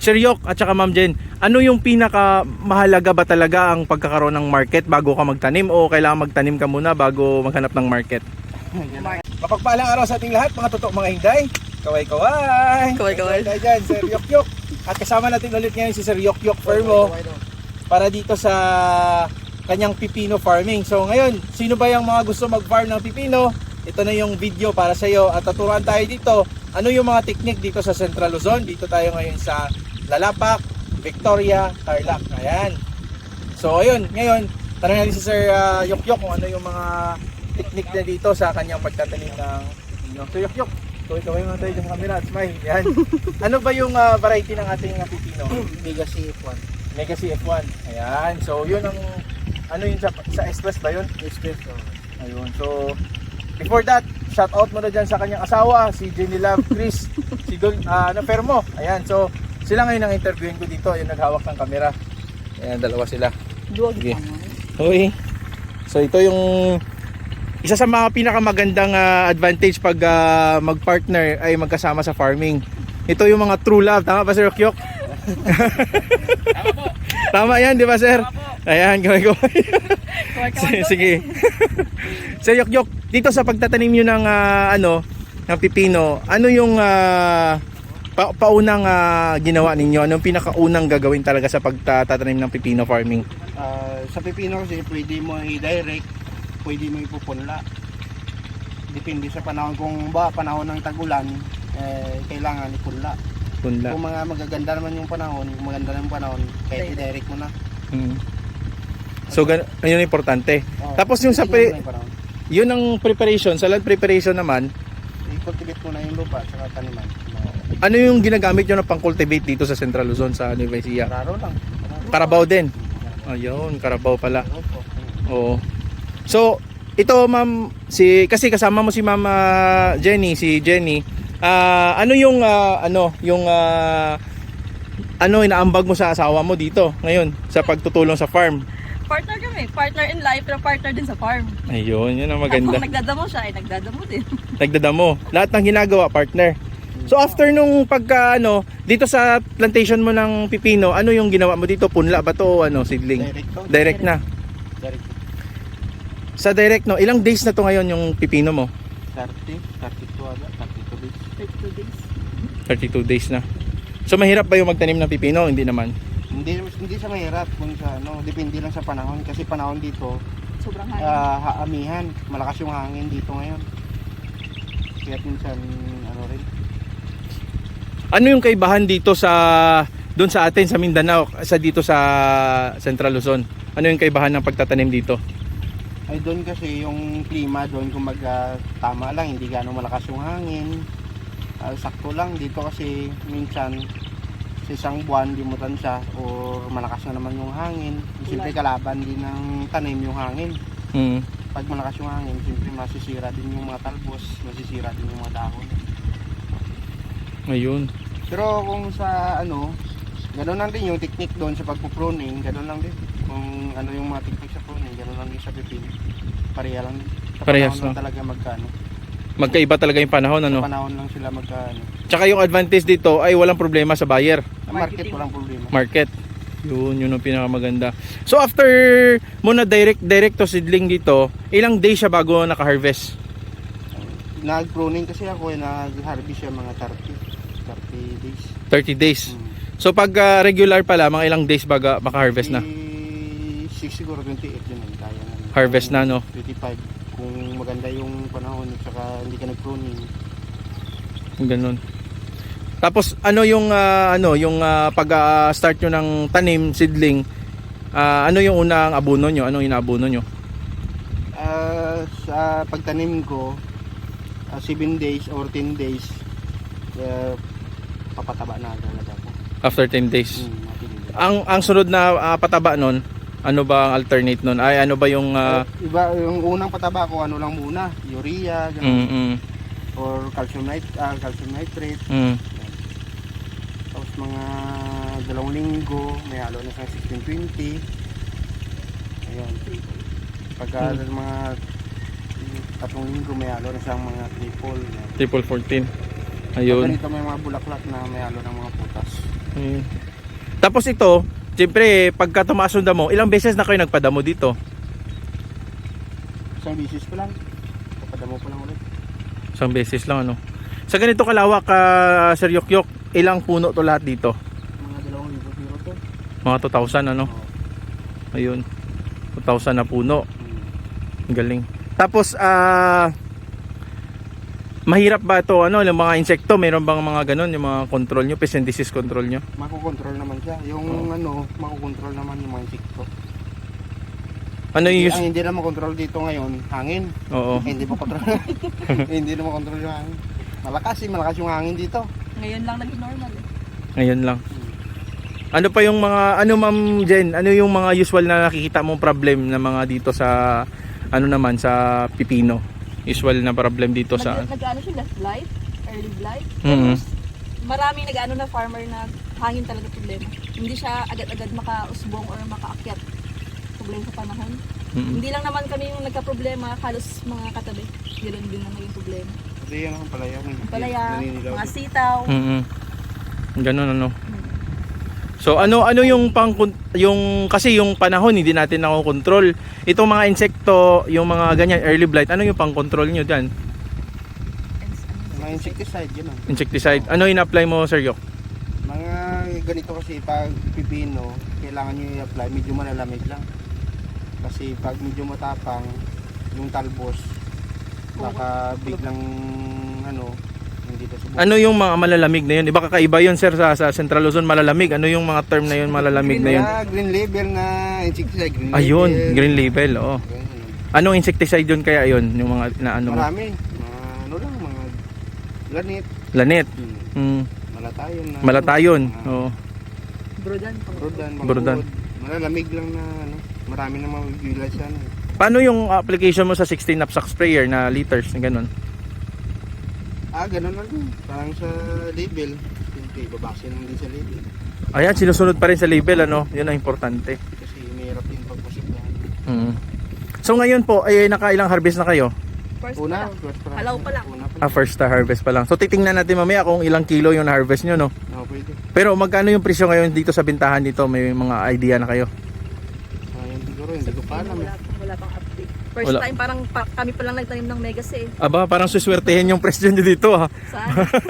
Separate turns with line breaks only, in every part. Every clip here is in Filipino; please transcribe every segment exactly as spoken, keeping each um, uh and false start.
Sir Yok at saka Ma'am Jen, ano yung pinaka mahalaga ba talaga ang pagkakaroon ng market bago ka magtanim o kailangan magtanim ka muna bago maghanap ng market? Mapagpalang araw sa ating lahat mga totoo mga hinday. Kaway-kaway.
Kaway-kaway.
Kaway dyan, Sir Yok Yok. At kasama natin ulit ngayon si Sir Yok Yok Fermo para dito sa kanyang pipino farming. So ngayon, sino ba yung mga gusto mag-farm ng pipino? Ito na yung video para sa iyo at tuturuan tayo dito ano yung mga technique dito sa Central Luzon. Dito tayo ngayon sa Lalapak, Victoria, Tarlac. Ayan. So ayun, ngayon tanong natin si Sir uh, Yok Yok kung ano yung mga technique na dito sa kanyang pagtatanim ng pipino. So Yok Yok, kaway-kaway mga tayo sa camera at smile. Yan. Ano ba yung uh, variety ng ating uh, pipino?
Mega C F one.
Mega C F one. Ayan. So yun ang ano yun sa, sa express ba yun?
Express.
Ayun. So before that, shout out mo na dyan sa kanyang asawa, si Jenny Love, Chris, si Don, uh, ano, Fermo. Ayan. So sila ngayon ang interviewin ko dito. Yung naghawak ng camera. Ayan, dalawa sila.
Duwag
Sige.
naman.
Okay. So ito yung isa sa mga pinakamagandang uh, advantage pag uh, mag-partner ay magkasama sa farming. Ito yung mga true love. Tama ba Sir Yok Yok?
Tama po.
Tama yan, di ba Sir?
Tama po.
Ayan, gawin-gawin.
Kaway-kaway.
Sige. Sir Yok Yok, dito sa pagtatanim nyo ng uh, ano, ng pipino, ano yung uh, pa paunang uh, ginawa ninyo? Anong pinakaunang gagawin talaga sa pagtatanim ng pipino farming?
Uh, sa pipino kasi pwede mo i-direct, pwede mo ipupunla. Depende sa panahon. Kung ba panahon ng tagulan, eh, kailangan ipunla.
Punla.
Kung mga magaganda naman yung panahon, kung maganda naman yung panahon, kahit i-direct mo na.
Hmm. So, gan yun yung importante.
Oh,
Tapos yung sa pre
yung panahon.
yun ang preparation, sa land preparation naman,
I-cultivate mo na yung lupa sa taniman.
ano yung ginagamit nyo na pang-cultivate dito sa Central Luzon sa Nueva Ecija?
Raro lang.
Carabao din. Ayun, Carabao pala.
Raro po.
Oo. So, ito ma'am, si kasi kasama mo si Ma'am uh, Jenny, si Jenny. Ah, ano yung uh, ano, yung uh, ano inaambag mo sa asawa mo dito ngayon sa pagtutulong sa farm?
Partner kami. Partner in life, pero partner din sa farm.
Ayun, yun ang maganda.
Kung nagdadamo siya, ay nagdadamo din.
Nagdadamo. Lahat ng ginagawa, partner. So after nung pagka ano, dito sa plantation mo ng pipino, ano yung ginawa mo dito? Punla ba to o ano, seedling?
Direct to.
Direct na.
Direct.
Sa direct no, ilang days na to ngayon yung pipino mo?
thirty, thirty-two aga, thirty-two days.
thirty-two days.
thirty-two days na. So mahirap ba yung magtanim ng pipino? Hindi naman.
Hindi hindi siya mahirap kung sa ano, depende lang sa panahon kasi panahon dito
Sobrang hangin.
uh, haamihan, malakas yung hangin dito ngayon. Kaya minsan ano rin.
Ano yung kaibahan dito sa doon sa atin sa Mindanao sa dito sa Central Luzon? Ano yung kaibahan ng pagtatanim dito?
Ay doon kasi yung klima doon kumbaga tama lang, hindi gaano malakas yung hangin. Uh, sakto lang dito kasi minsan sa isang buwan limutan siya o malakas na naman yung hangin. Siyempre kalaban din ng tanim yung hangin.
Hmm.
Pag malakas yung hangin, siyempre masisira din yung mga talbos, masisira din yung mga dahon.
Ayun.
Pero kung sa ano, ganoon lang din yung technique doon sa pagpo-pruning, ganoon lang din. Kung ano yung mga technique sa pruning, ganoon lang din sa pipino. Pareha lang din. Sa
Parehas
panahon lang
lang.
talaga magkano.
Magkaiba talaga yung panahon ano.
Sa panahon lang sila magkano.
Tsaka yung advantage dito ay walang problema sa buyer.
Sa market walang problema.
Market. Yun, yun ang pinakamaganda. So after mo na direct direct to seedling dito, ilang days siya bago naka-harvest?
Nag-pruning kasi ako, eh, nag-harvest siya mga thirty, thirty days.
thirty days.
Hmm.
So pag uh, regular pala, mga ilang days baga maka-harvest na?
Eh, six siguro, twenty-eight yun ang kaya na.
Harvest na, no?
twenty-five. Kung maganda yung panahon at saka hindi ka nag-pruning.
Ganun. Tapos ano yung uh, ano yung uh, pag-start uh, nyo ng tanim seedling, uh, ano yung unang abono nyo? Anong inaabono nyo?
Uh, sa pagtanim ko, uh, seven days or ten days, uh, papataba na talaga ako.
After ten days.
Hmm, ten days.
Ang ang sunod na uh, pataba nun, ano ba ang alternate nun? Ay ano ba yung uh,
Uh, iba, yung unang pataba ko, ano lang muna, urea, ganun,
mm, mm,
or calcium, nit uh, calcium nitrate.
mm.
Tapos mga dalawang linggo, may halo na sa sixteen twenty. Ayun. Pagka
Hmm.
mga tatlong linggo, may halo na sa mga triple.
Triple fourteen.
Pag
Ayun.
ganito may mga bulaklak na may halo ng mga putas.
Ayun. Tapos ito, siyempre, pagka tumaas yung damo, ilang beses na kayo nagpadamo dito?
Isang bisis pa lang. Papadamo pa lang ulit.
Isang beses lang, ano? Sa ganito kalawak, uh, Sir Yokyok, ilang puno to lahat dito?
Mga dalawang libo zero to.
Mga two thousand, ano?
Oo.
Ayun. two thousand na puno.
Hmm.
Ang galing. Tapos, ah... mahirap ba ito, ano, yung mga insekto, mayroon bang mga ganun, yung mga control nyo, pest and disease control nyo?
Makokontrol naman siya. Yung ano, makokontrol naman yung mga insekto.
Ano yung use?
Ang hindi na makontrol dito ngayon, hangin.
Oo.
Eh, hindi pa control. Hindi na makontrol yung hangin. Malakas eh, malakas yung hangin dito.
Ngayon lang naging normal eh.
Ngayon lang. Ano pa yung mga, ano Ma'am Jen, ano yung mga usual na nakikita mong problem na mga dito sa, ano naman, sa pipino? Usual na problem dito sa...
Nag, nag-ano siya, left blight, early blight.
Mhm.
Tapos, maraming nag-ano na farmer na hangin talaga problema. Hindi siya agad-agad makausbong or makaakyat. Problema sa panahon.
Mhm.
Hindi lang naman kami yung nagka-problema, halos mga katabi. Ganoon din na naging problema.
Kasi yan ang palaya.
Ang palaya,
naninilaw.
mga sitaw.
Mhm. Ganun, ano. So ano ano yung pang yung kasi yung panahon hindi natin nakokontrol. Itong mga insekto, yung mga ganyan early blight, ano yung pang-control nyo diyan?
Mga insecticide, yun ang.
Insecticide. Ano in-apply mo, Sir Yok?
Mga ganito kasi pag pipino, kailangan nyo i-apply, medyo malalamig lang. Kasi pag medyo matapang, yung talbos, baka biglang ano, hindi na subukan.
Ano yung mga malalamig na yun? Iba kakaiba yun, sir, sa, sa Central Luzon, malalamig. Ano yung mga term na yun, malalamig na yun?
Ah, green label na insecticide. Green
Ayun,
label.
green label, oo.
Ganyan.
Anong insecticide yun kaya yun? Yung mga na ano mo?
Marami. Mga ano lang, mga lanit.
Lanit.
Hmm.
Mm.
Malatayon na.
Malatayon.
mga
Oo.
Brodan.
Brodan. mga
Brodan.
uod. Malalamig lang na ano. Marami na mga village yan. eh.
Paano yung application mo sa sixteen knapsack sprayer na liters, ganun?
Ah, ganun lang din. Parang sa label. Hindi, babase lang din sa label.
Ayan, sinusunod pa rin sa label, ano? Yun ang importante.
Kasi mahirap din pagpasok yan.
Mm. So ngayon po, ay nakailang harvest na kayo?
First
Una,
pa lang.
first pa lang.
Halaw pa lang.
Una pa
Ah,
lang.
first na harvest pa lang. So titingnan natin mamaya kung ilang kilo yung na-harvest nyo, no?
Oo, pwede.
Pero magkano yung presyo ngayon dito sa bintahan dito? May mga idea na kayo?
Ayun siguro, hindi ko pa alam.
Wala,
eh.
pang- wala pang update. First
Wala.
time, parang pa, kami pa lang nagtanim ng megas eh.
Aba, parang suswertehin yung presyo nyo dito, ha?
Saan?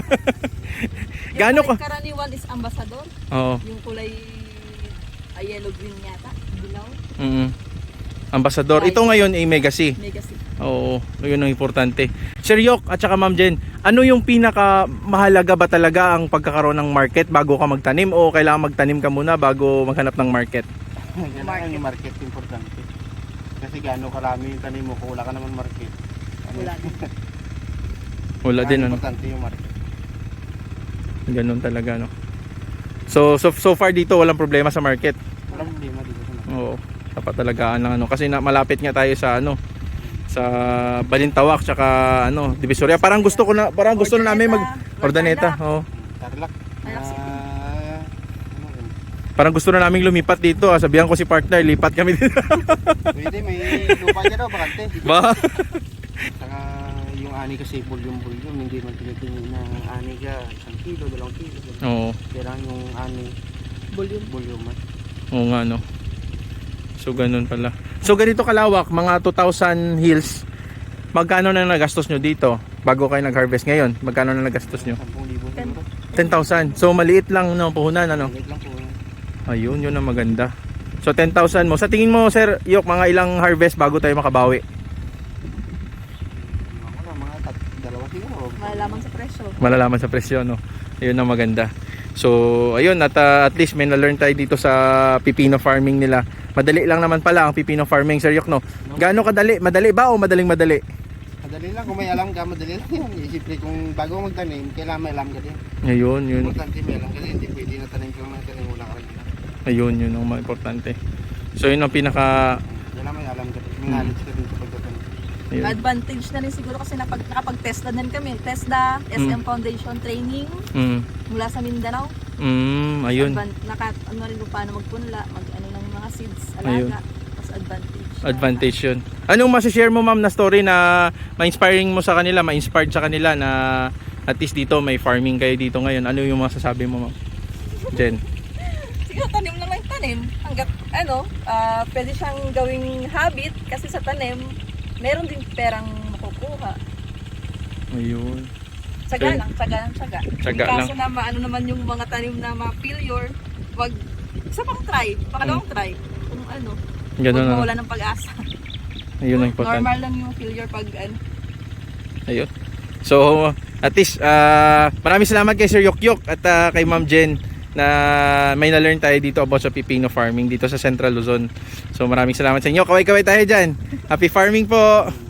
yung
Gaano
kulay
ka-
karaniwan is ambassador.
Oo.
Yung kulay ah, yellow green yata. Dilaw.
Mm. Ambassador. Ito ngayon ay Mega C.
Mega C.
Oo, yun ang importante. Sir Yok at saka Ma'am Jen, ano yung pinaka mahalaga ba talaga ang pagkakaroon ng market bago ka magtanim o kailangan magtanim ka muna bago maghanap ng market?
Kailangan yung market importante. Kasi gaano karami yung tanim mo kung wala ka naman market. Ano,
Wala din.
Wala din, ano?
Importante yung market.
Ganun talaga, no? So, so, so far dito walang problema sa market.
Walang problema dito sa market.
Oo, dapat talagaan ng ano. Kasi na, malapit nga tayo sa ano, sa Balintawak tsaka ano, Divisoria. Parang gusto ko na, parang gusto na namin mag Ordaneta. Oo.
Tarlac.
Tarlac City.
Ah, ano yun?
Parang gusto na namin lumipat dito. Ah. Sabihan ko si partner, lipat kami dito.
Pwede, may lupa dyan daw, bakante.
Ba?
Saka yung ani kasi bulyong-bulyong, hindi man tinitingin na ani ka, isang kilo, dalawang kilo.
Oo.
Kailangan yung ani,
Volume.
bulyong man.
Oo nga, no. So ganun pala. So ganito kalawak, mga two thousand hills. Magkano na nagastos nyo dito bago kayo nag-harvest ngayon? Magkano na nagastos nyo?
ten libo siguro.
ten thousand. So maliit lang no puhunan, ano?
Maliit lang po yun.
Ayun, yun ang maganda. So ten thousand mo. Sa tingin mo, Sir Yok, mga ilang harvest bago tayo makabawi?
Ako na, mga tat, dalawa siguro.
Malalaman sa presyo.
Malalaman sa presyo, no? Ayun ang maganda. So, ayun, at, uh, at least may na-learn tayo dito sa pipino farming nila. Madali lang naman pala ang pipino farming, Sir Yok, no? Gaano kadali? Madali ba o madaling madali?
Madali lang, kung may alam ka, madali lang yan. Siyempre, kung bago magtanim, kailangan may alam ka din.
Ayun, yun.
Importante may alam ka din, hindi pwede na tanim ka lang na tanim, wala ka rin alam.
Ayun, yun ang mga importante. So, yun ang pinaka...
Kailangan may alam ka din, may knowledge ka din sa pagtatanim.
Ayun.
Advantage na rin siguro kasi napag, nakapag-test na din kami. TESDA, S M
Mm.
Foundation Training
Mm,
mula sa Mindanao.
mm, ayun.
Advan- naka, ano rin kung paano magpunla, mag ano ng mga seeds,
Ayun.
alaga. Tapos advantage.
Advantage yun. Anong masishare mo, ma'am, na story na ma-inspiring mo sa kanila, ma-inspired sa kanila na at least dito may farming kayo dito ngayon? Ano yung masasabi mo, ma'am? Jen?
Siguro tanim lang ng tanim. Hanggat ano, ah, pwede siyang gawing habit kasi sa tanim, meron din perang makukuha.
Ayun.
Tsaga
Okay.
lang, tsaga lang, tsaga.
Tsaga
Kung kaso na maano naman yung mga tanim na ma-failure, wag, isa pang try, pangalawang try. Kung ano,
Ganun
huwag
na.
mawala ng pag-asa.
Ayun ang important.
Normal lang yung failure pag ano.
Ayun. So, at least, ah maraming salamat kay Sir Yok Yok at ah, kay Ma'am Jen na may na-learn tayo dito about sa pipino farming dito sa Central Luzon. So, maraming salamat sa inyo. Kaway-kaway tayo dyan. Happy farming po!